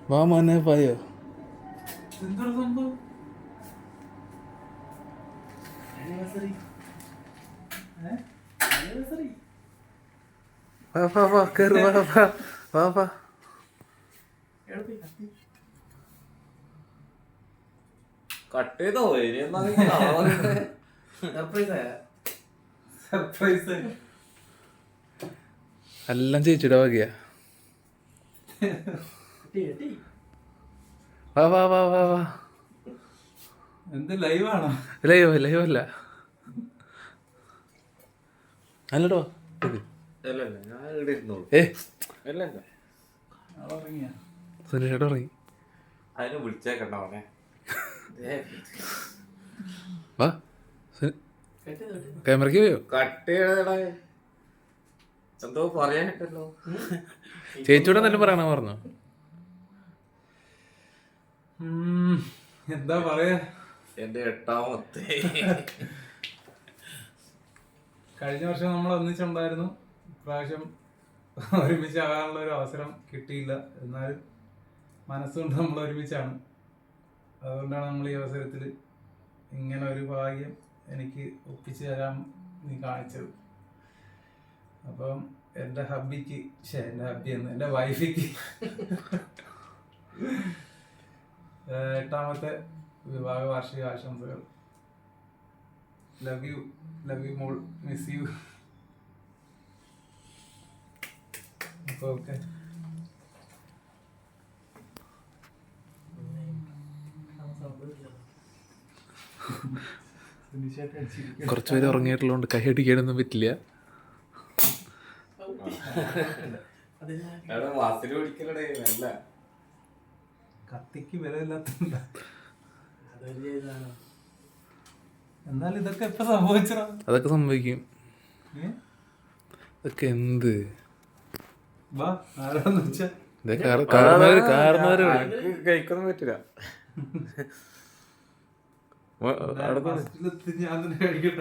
വാ മോനെ പോയോ? എന്താണ് സംഭവം? വാ വാ വാ കേറ് വാ വാ വാ വാ. കട്ട് ചെയ്തോ? സർപ്രൈസ്. എല്ലാം ചേച്ചിയുടെ വകയാ. വാ വാ വാ വാ വാ. എന്ത് ലൈവാണോ? ലൈവ് അല്ല അല്ലടോ. ഏ ഉറങ്ങിയ സുനീഷേട്ട ഇറങ്ങി. അതിന് വിളിച്ചേക്കണ്ട മോനെ. വാ ക്യാമറയ്ക്ക് പോയോ? കട്ട് ചെയ്യണ എന്തോ പറയാനിട്ടല്ലോ. ചേച്ചിയോടെ എന്തെങ്കിലും പറയണ പറഞ്ഞോ? എന്താ പറയാ, എന്റെ 8ാമത്തെ കഴിഞ്ഞ വർഷം നമ്മൾ ഒന്നിച്ചുണ്ടായിരുന്നു. ഇപ്രാവശ്യം ഒരുമിച്ചാകാനുള്ള ഒരു അവസരം കിട്ടിയില്ല. എന്നാലും മനസ്സുകൊണ്ട് നമ്മൾ ഒരുമിച്ചാണ്. അതുകൊണ്ടാണ് നമ്മൾ ഈ അവസരത്തിൽ ഇങ്ങനെ ഒരു ഭാഗ്യം എനിക്ക് ഒപ്പിച്ചു തരാൻ നീ കാണിച്ചത്. അപ്പം എൻ്റെ ഹബ്ബിക്ക് എൻ്റെ വൈഫിക്ക് 8ാമത്തെ വിവാഹ വാർഷിക ആശംസകൾ. ലവ് യു മോൾ, മിസ് യു. അപ്പോൾ ഓക്കെ. കുറച്ചുപേര് ഉറങ്ങിയിട്ടുള്ളതുകൊണ്ട് കൈ അടിക്കാനൊന്നും പറ്റില്ല. വാസിൽ പിടിക്കലടേ നല്ല കത്തിക്ക് വിലയില്ലാത്ത. എന്നാലും ഇതൊക്കെ എപ്പോ സംഭവിച്ചോ? അതൊക്കെ സംഭവിക്കും. ഇതൊക്കെ എന്ത് വാ ആരാന്ന് വെച്ചാ കാരണവര് കഴിക്കൊന്നും പറ്റില്ല. ഞാൻ തന്നെ കഴിക്കട്ടെ.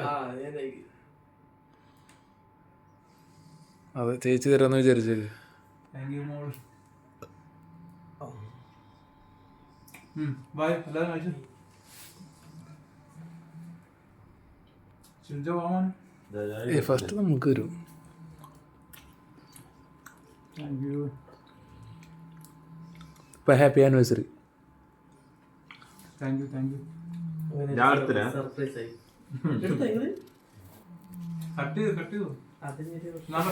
അതെ ചേച്ചി തരാന്ന് വിചാരിച്ചത്. Thank you mall. ബൈ എല്ലാവരും കഴിച്ചു. ചിഞ്ച പോവാൻ. ഫസ്റ്റ് നമുക്ക് വരും. Thank you. ഇപ്പൊ ഹാപ്പി ആനിവേഴ്സറി. താങ്ക് യു ഞാൻ എടുത്തില്ല. കട്ട് ചെയ്തു.